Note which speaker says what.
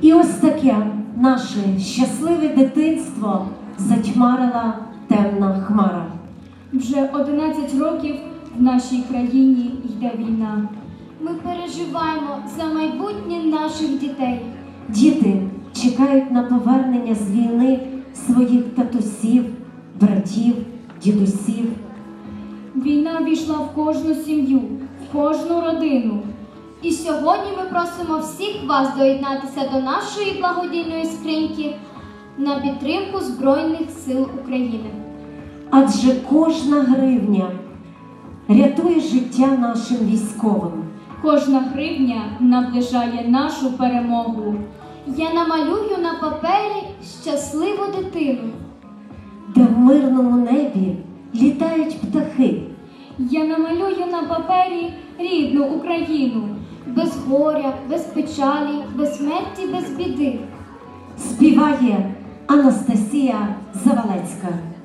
Speaker 1: І ось таке наше щасливе дитинство затьмарила темна хмара.
Speaker 2: Вже 11 років в нашій країні йде війна.
Speaker 3: Ми переживаємо за майбутнє наших дітей.
Speaker 1: Діти чекають на повернення з війни своїх татусів, братів, дідусів.
Speaker 2: Війна війшла в кожну сім'ю, в кожну родину.
Speaker 3: І сьогодні ми просимо всіх вас доєднатися до нашої благодійної скриньки на підтримку Збройних сил України.
Speaker 1: Адже кожна гривня рятує життя нашим військовим.
Speaker 2: Кожна гривня наближає нашу перемогу.
Speaker 3: Я намалюю на папері щасливу дитину,
Speaker 1: Де в мирному небі літають птахи.
Speaker 2: Я намалюю на папері рідну Україну.
Speaker 3: без горя, без печалі, без смерті, без біди.
Speaker 1: Співає Анастасія Завалецька.